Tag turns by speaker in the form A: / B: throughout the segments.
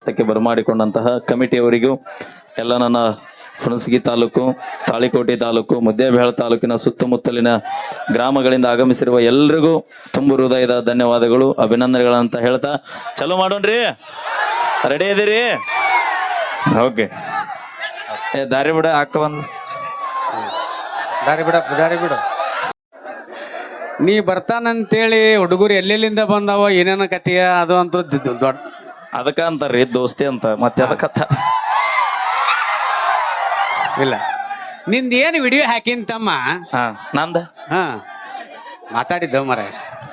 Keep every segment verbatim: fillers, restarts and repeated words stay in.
A: ಕ್ಕೆ ಬರಮಾಡಿಕೊಂಡಂತಹ ಕಮಿಟಿಯವರಿಗೂ ಎಲ್ಲ ನನ್ನ ಹುಣಸಗಿ ತಾಲೂಕು, ತಾಳಿಕೋಟೆ ತಾಲೂಕು, ಮುದ್ದೇಬಿಹಾಳ ತಾಲೂಕಿನ ಸುತ್ತಮುತ್ತಲಿನ ಗ್ರಾಮಗಳಿಂದ ಆಗಮಿಸಿರುವ ಎಲ್ರಿಗೂ ತುಂಬು ಹೃದಯದ ಧನ್ಯವಾದಗಳು, ಅಭಿನಂದನೆಗಳಂತ ಹೇಳ್ತಾ ಚಲೋ ಮಾಡೋಣ್ರಿ. ರೆಡಿ ಇದೀರಿ? ಓಕೆ. ಏ ದಾರಿ ಬಿಡ, ಹಾಕ ಒಂದು
B: ದಾರಿ ಬಿಡ ದಾರಿ ಬಿಡು. ನೀ ಬರ್ತಾನಂತೇಳಿ ಹುಡುಗರು ಎಲ್ಲೆಲ್ಲಿಂದ ಬಂದಾವ, ಏನೇನ ಕತೆಯ ಅದು ಅಂತ ದೊಡ್ಡ
A: ಅದಕ್ಕ ಅಂತಾರ್ರಿ ದೋಸ್ತಿ ಅಂತ, ಮತ್ತೆ ಅದಕ್ಕತ್ತ
B: ಇಲ್ಲ. ನಿಂದ ಏನು ವಿಡಿಯೋ ಹಾಕಿನ ತಮ್ಮ?
A: ಹಾ ನಂದ
B: ಹಾ ಮಾತಾಡಿದ್ದ ಮರ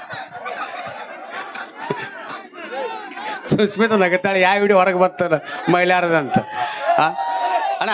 B: ಸುಸ್ಮಿತ ನಗತಾಳೆ, ಯಾವ ವಿಡಿಯೋ ಹೊರಗೆ ಬರ್ತಾರ ಮಹಿಳೆಯರದಂತ. ಅಣ್ಣ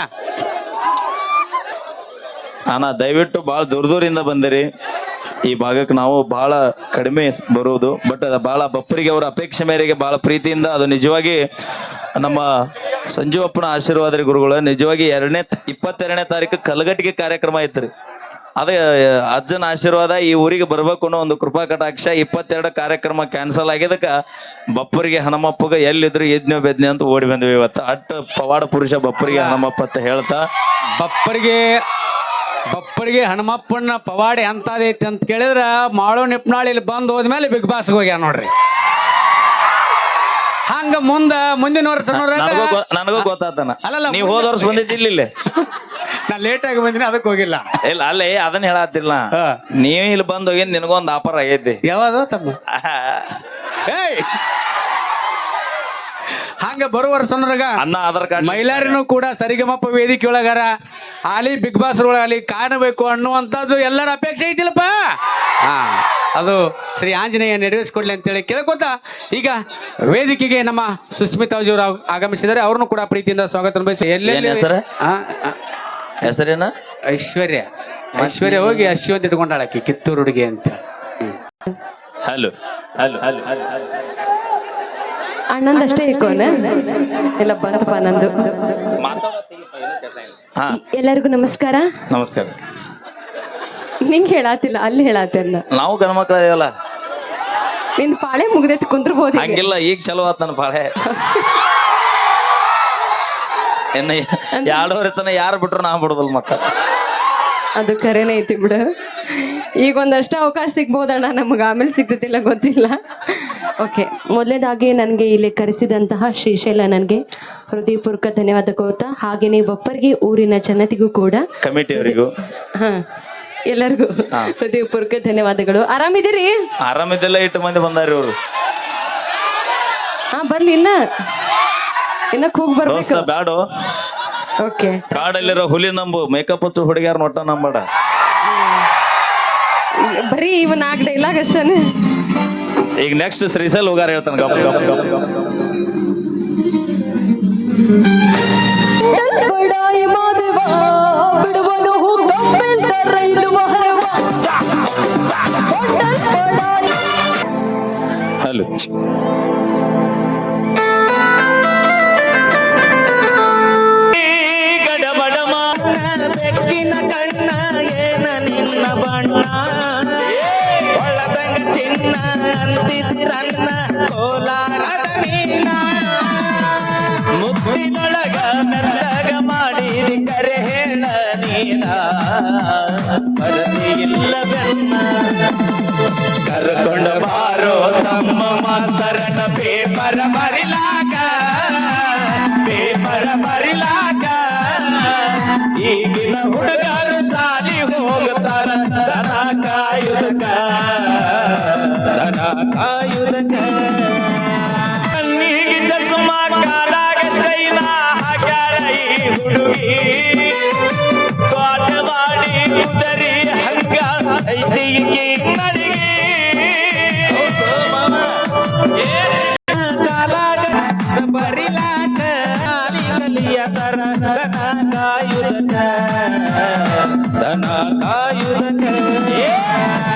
A: ಅಣ್ಣ ದಯವಿಟ್ಟು ಭಾಳ ದೂರ ದೂರಿಂದ ಬಂದಿರಿ. ಈ ಭಾಗಕ್ಕೆ ನಾವು ಬಹಳ ಕಡಿಮೆ ಬರುವುದು, ಬಟ್ ಬಹಳ ಬಪ್ಪರಿಗೆ ಅವರ ಅಪೇಕ್ಷೆ ಮೇರೆಗೆ ಬಹಳ ಪ್ರೀತಿಯಿಂದ, ಅದು ನಿಜವಾಗಿ ನಮ್ಮ ಸಂಜೀವಪ್ಪನ ಆಶೀರ್ವಾದ ರೀ ಗುರುಗಳು. ನಿಜವಾಗಿ ಎರಡನೇ ಇಪ್ಪತ್ತೆರಡನೇ ತಾರೀಕು ಕಲಗಟ್ಟಿಗೆ ಕಾರ್ಯಕ್ರಮ ಐತ್ರಿ. ಅದೇ ಅಜ್ಜನ ಆಶೀರ್ವಾದ, ಈ ಊರಿಗೆ ಬರ್ಬೇಕು ಅನ್ನೋ ಒಂದು ಕೃಪಾ ಕಟಾಕ್ಷ. ಇಪ್ಪತ್ತೆರಡು ಕಾರ್ಯಕ್ರಮ ಕ್ಯಾನ್ಸಲ್ ಆಗಿದ್ದಕ್ಕ ಬಪ್ಪರಿಗೆ ಹನುಮಪ್ಪಗ ಎಲ್ಲಿದ್ರು ಯಜ್ಞ ಬೆಜ್ಞ ಅಂತ ಓಡಿ ಬಂದ್ವಿ ಇವತ್ತು. ಅಟ್ ಪವಾಡ ಪುರುಷ ಬಪ್ಪರಿಗೆ ಹನುಮಪ್ಪ ಅಂತ ಹೇಳ್ತಾ,
B: ಬಪ್ಪರಿಗೆ ಬಪ್ಪರಿಗೆ ಹನುಮಪ್ಪನ ಪವಾಡೆ ಅಂತದೈತಿ ಅಂತ ಕೇಳಿದ್ರ ಮಾಳೋ ನಿಪ್ನಾಳಿಲಿ ಬಂದು ಹೋದ್ಮೇಲೆ ಬಿಗ್ ಬಾಸ್ಗೆ ಹೋಗ್ಯ ನೋಡ್ರಿ. ಹಂಗ ಮುಂದ ಮುಂದಿನ ವರ್ಷ
A: ನನಗೂ ಗೊತ್ತಾತನ.
B: ಅಲ್ಲಲ್ಲ,
A: ನೀವು ಹೋದ ವರ್ಷ ಬಂದಿದ್ದಿಲ್ಲ ಇಲ್ಲಿ,
B: ನಾ ಲೇಟ್ ಆಗಿ ಬಂದಿನಿ, ಅದಕ್ಕೆ ಹೋಗಿಲ್ಲ.
A: ಇಲ್ಲ ಅಲ್ಲೇ ಅದನ್ನ ಹೇಳತ್ತಿಲ್ಲ, ನೀವು ಇಲ್ಲಿ ಬಂದ್ ಹೋಗಿ ನಿನಗೊಂದು ಆಫರ್ ಆಗೈತಿ.
B: ಯಾವಾಗ ತಮ್ಮ? ಏಯ್ ಹಂಗ ಬರುವ ವರ್ಷನೊಳಗ
A: ಅನ್ನ ಆಧಾರ್ ಕಾರ್ಡ್
B: ಮಹಿಳೆಯರನ್ನು ಕೂಡ ಸರಿಗಮಪ್ಪ ವೇದಿಕೆ ಒಳಗಾರ ಅಲ್ಲಿ ಬಿಗ್ ಬಾಸ್ ಒಳಗಲಿ ಕಾಣಬೇಕು ಅನ್ನುವಂಥದ್ದು ಎಲ್ಲರ ಅಪೇಕ್ಷೆ ಐತಿಲ್ಲಪ್ಪ. ಹಾ, ಅದು ಶ್ರೀ ಆಂಜನೇಯ ನೆರವೇರಿಸಿಕೊಡ್ಲಿ ಅಂತೇಳಿ ಕೇಳ್ಕೊತ ಈಗ ವೇದಿಕೆಗೆ ನಮ್ಮ ಸುಸ್ಮಿತಾ ಅವರು ಆಗಮಿಸಿದ್ದಾರೆ. ಅವ್ರನ್ನು ಕೂಡ ಪ್ರೀತಿಯಿಂದ ಸ್ವಾಗತ ಬಯಸಿ. ಎಲ್ಲೆಲ್ಲಿ
A: ಹೆಸರು ಹೆಸರೇನ?
B: ಐಶ್ವರ್ಯ. ಐಶ್ವರ್ಯ ಹೋಗಿ ಅಶ್ವತ್ ಇಟ್ಕೊಂಡಾಳಕಿ ಕಿತ್ತೂರು ಹುಡುಗಿ ಅಂತ.
A: ಹಲೋ ಹಲೋ ಹಲೋ ಹಲೋ
C: ಅಣ್ಣಂದಷ್ಟೇ ಇಕ್ಕೋನ ಎಲ್ಲ ಬಂತಪ್ಪ ನಂದು.
A: ಹಾ,
C: ಎಲ್ಲರಿಗೂ ನಮಸ್ಕಾರ.
A: ನಮಸ್ಕಾರ.
C: ನಿಂಗೆ ಹೇಳಾತಿಲ್ಲ, ಅಲ್ಲಿ ಹೇಳಾತಿ ಅಲ್ಲ.
A: ನಾವು ಗಣಮಕ್ಳ ಇದೆಯಲ್ಲ,
C: ನಿಂದು ಪಾಳೆ ಮುಗ್ದೈತಿ, ಕುಂದ್ರಬಹುದು.
A: ಹಂಗಿಲ್ಲ, ಈಗ ಚಲೋ ಆತ್ ನನ್ನ ಪಾಳೆ. ಇನ್ನ ಎರಡೂವರೆ ತನ ಯಾರು ಬಿಟ್ರು ನಾ ಬಿಡುದಲ್ ಮಕ್ಕ.
C: ಅದು ಕರೆನೇ ಐತಿ ಬಿಡು. ಈಗ ಒಂದಷ್ಟು ಅವಕಾಶ ಸಿಗ್ಬೋದಣ್ಣ, ನಮಗೆ ಆಮೇಲೆ ಸಿಗ್ತತಿಲ್ಲ ಗೊತ್ತಿಲ್ಲ. ಓಕೆ, ಮೊದಲನೇದಾಗಿ ನನಗೆ ಇಲ್ಲಿ ಕರೆಸಿದಂತಹ ಶ್ರೀಶೈಲ ನನಗೆ ಹೃದಯಪೂರ್ವಕ ಧನ್ಯವಾದ ಕೋತಾ, ಹಾಗೇನೆ ಬಪ್ಪರ್ಗೆ ಊರಿನ ಜನತೆಗೂ ಕೂಡ,
A: ಕಮಿಟಿಯವರಿಗೂ,
C: ಹಾ ಎಲ್ಲರಿಗೂ ಹೃದಯಪೂರ್ವಕ ಧನ್ಯವಾದಗಳು. ಆರಾಮಿದ್ದೀರಿ?
A: ಆರಾಮಿದ್ದೆಲ್ಲ ಇಟ್ಟು ಮಂದಿ ಬಂದಾರಿ ಅವರು.
C: ಹಾ ಬರ್ಲಿ, ಇನ್ನ ಇನ್ನ ಕೂಗ್ ಬರ್ಬೇಕು.
A: ಬ್ಯಾಡು.
C: ಓಕೆ,
A: ಕಾಡಲ್ಲಿರೋ ಹುಲಿ ನಂಬು, ಮೇಕಪ್ ಹಚ್ಚು ಹುಡುಗಿಯಾರ ನೋಟ ನಂಬಡ.
C: ಬರೀ ಇವ್ ನಾಲ್ಕು ಡೈಲಾಗ್ ಅಷ್ಟೇ.
A: ಈಗ ನೆಕ್ಸ್ಟ್ ಶ್ರೀಶೈಲ್ ಹೋಗಾರ ಹೇಳ್ತಾನೆ. ಗಪ್ ಗಪ್ ಗಪ್ ಗಪ್ ಹಲೋ.
D: ಬೆಕ್ಕಿನ ಕಣ್ಣ ಏನ ನಿನ್ನ ಬಣ್ಣ, ಒಳದಂಗ ಚಿನ್ನ ಅಂತಿದಿರನ್ನ ಕೋಲಾರದ ಮೀನ, ಮುತ್ತಿನೊಳಗ ಮೆತ್ತಗ ಮಾಡಿದಿ ಕರೆ ಹೇಳ ನೀನ, ಬರದಿ ಇಲ್ಲ ಬೆನ್ನ ಕರ್ಕೊಂಡ ಬಾರೋ ತಮ್ಮ ಮಾಸ್ತರನ ಪೇಪರ ಬರಿಲಾಕ, ಪೇಪರ ಬರಿಲಾಕ. ಈಗಿನ ಹುಡುಗರು ಸಾಲಿ ಹೋಗ್ತಾರ ದನ ಕಾಯುದಕ, ದನ ಕಾಯುದಕ. ಕಣ್ಣಿಗೆ ಚಸ್ಮಾ ಕಾಲಾಗ ಚೈನಾ ಹಾಕ್ಯಾಳ ಈ ಹುಡುಗಿ, ಕಾಟ ಮಾಡಿ ಕುದರಿ ಹಂಗ ಐತಿ ನಡಿಗೆ. ಕಾಲಾಗ ಬರಿಲಾಕ ಕಲಿಯ ತರ ದನ ಕಾಯುದಕ, ದನ ಕಾಯುದಕ.